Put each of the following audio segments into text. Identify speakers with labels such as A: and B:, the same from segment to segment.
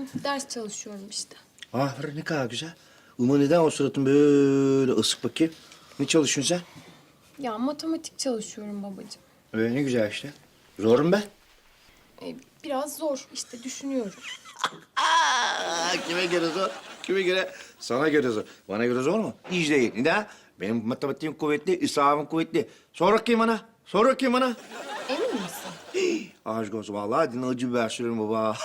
A: Ders çalışıyorum işte.
B: Aferin ne kadar güzel. Uma neden o suratın böyle ısık bakayım? Ne çalışıyorsun sen?
A: Ya matematik çalışıyorum babacığım.
B: Öyle ne güzel işte. Zor mu be?
A: Biraz zor işte düşünüyorum.
B: Kime göre zor? Kime göre? Sana göre zor. Bana göre zor mu? Hiç değil. Neden? Benim matematiğim kuvvetli, hesabım kuvvetli. Sor bakayım bana. Sor bakayım bana.
A: Emin misin?
B: Aşk olsun vallahi dinle acı biber sürüyorum baba.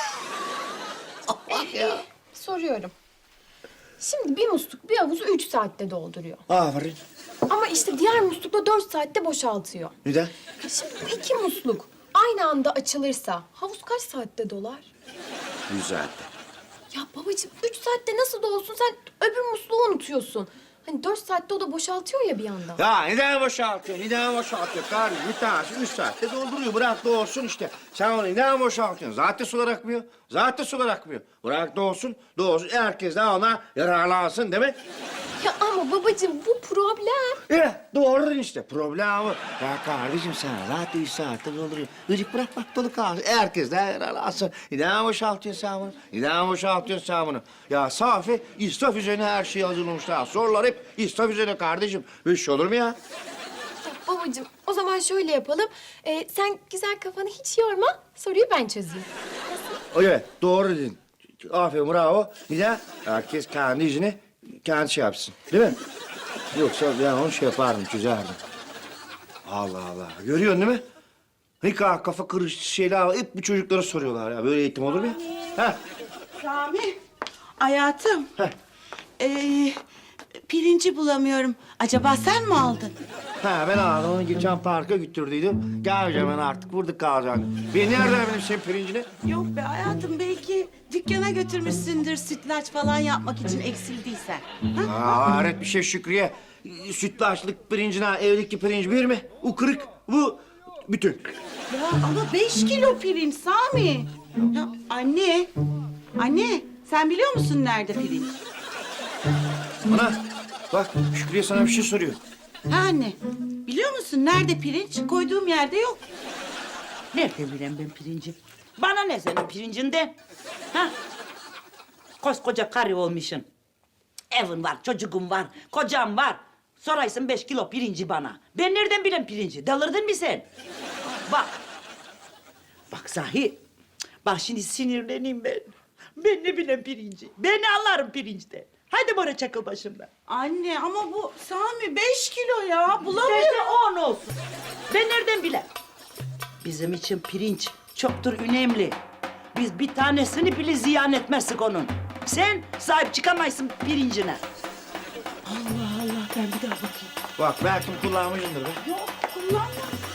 A: Soruyorum. Şimdi bir musluk bir havuzu 3 saatte dolduruyor.
B: Aferin.
A: Ama işte diğer muslukla 4 saatte boşaltıyor.
B: Neden?
A: Şimdi bu iki musluk aynı anda açılırsa havuz kaç saatte dolar?
B: 100 saatte.
A: Ya babacığım 3 saatte nasıl dolsun sen öbür musluğu unutuyorsun. Hani 4 saatte o da boşaltıyor ya bir yandan.
B: Ya neden boşaltıyor? Neden boşaltıyor? Kardeşim bir tanesi 3 saatte dolduruyor. Bırak da olsun işte. Sen onu neden boşaltıyorsun? Zaten sular akmıyor. Zaten sular akmıyor. Bırak da olsun. Da olsun. Herkes de ona yararlansın değil mi?
A: Ya ama babacığım bu problem.
B: Doğru işte. Problemi. Ya kardeşim sen zaten 3 saatte dolduruyor. Gıcık bırak bak dolu kalsın. Herkes de yararlansın. Neden boşaltıyorsun sen bunu? Neden boşaltıyorsun sen bunu? Ya Safi israf üzerine her şeyi hazırlamışlar. Sorular hep israf üzerine kardeşim. Böyle şey olur mu ya?
A: Ya babacığım o zaman şöyle yapalım. Sen güzel kafanı hiç yorma. Soruyu ben çözeyim.
B: Evet, doğru dedin. Aferin, bravo. Neden? Herkes kendi işini kendi şey yapsın. Değil mi? Yoksa ben onu şey yapardım, çözerdim. Allah Allah. Görüyorsun değil mi? Ne kadar kafa karıştı şeyler var. Hep bu çocuklara soruyorlar ya. Böyle eğitim olur mu ya? Heh.
C: Rami, hayatım.
B: Heh.
C: Pirinci bulamıyorum. Acaba sen mi aldın?
B: Ha ben aldım onu geçen parka götürdüydüm. Geleceğim ben artık burada kalacağım. Ben nereden bileyim senin pirincini?
C: Yok be hayatım, belki dükkana götürmüşsündür sütlaç falan yapmak için eksildiysen. Ha?
B: Hayret bir şey Şükriye. Sütlaçlık pirincine evdeki pirinç bir mi? O kırık, bu bütün.
C: Ya ama 5 kilo pirinç Sami. Ya anne sen biliyor musun nerede pirinç?
B: Ana bak Şükriye sana bir şey soruyor.
C: Ha anne, biliyor musun nerede pirinç? Koyduğum yerde yok.
D: Nerede bileyim ben pirinci? Bana ne senin pirincinden? Ha? Koskoca karı olmuşsun. Evin var, çocuğun var, kocam var. Soraysın 5 kilo pirinci bana. Ben nereden bileyim pirinci? Delirdin mi sen? Bak. Bak sahi. Bak şimdi sinirleneyim ben. Ben ne bileyim pirinci? Ben ne anlarım pirinçte? Haydi bana çakıl başımdan.
C: Anne ama bu Sami 5 kilo ya,
D: İsterse
C: bulamıyorum.
D: 10 olsun. Ben nereden bileyim? Bizim için pirinç çoktur önemli. Biz bir tanesini bile ziyan etmezsek onun. Sen sahip çıkamayısın pirincine. Allah Allah, ben bir daha bakayım.
B: Bak belki kullanmışsındır be.
C: Yok, kullanma.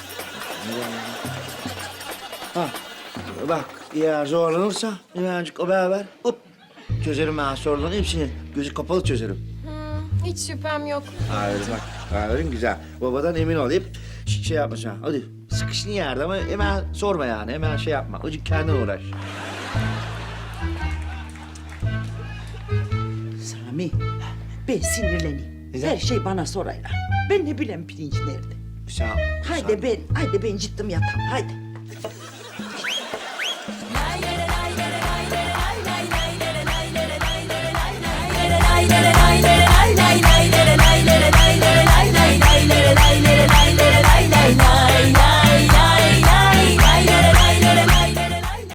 B: Ha, bak eğer zorlanırsa hemencik haber ver. Hop çözerim ben soruların hepsini. Gözü kapalı çözerim.
A: Hiç şüphem yok.
B: Aferin bak. Aferin güzel. Babadan emin ol. Hep şey yapma sen. Hadi sıkıştığın yerde ama hemen sorma yani. Hemen şey yapma. Azıcık kendin uğraş.
D: Sami, ben sinirleneyim.
B: Neden?
D: Her şey bana sorayla. Ben ne bileyim pirinç nerede?
B: Sen...
D: Haydi ben ciddim yatağım, haydi.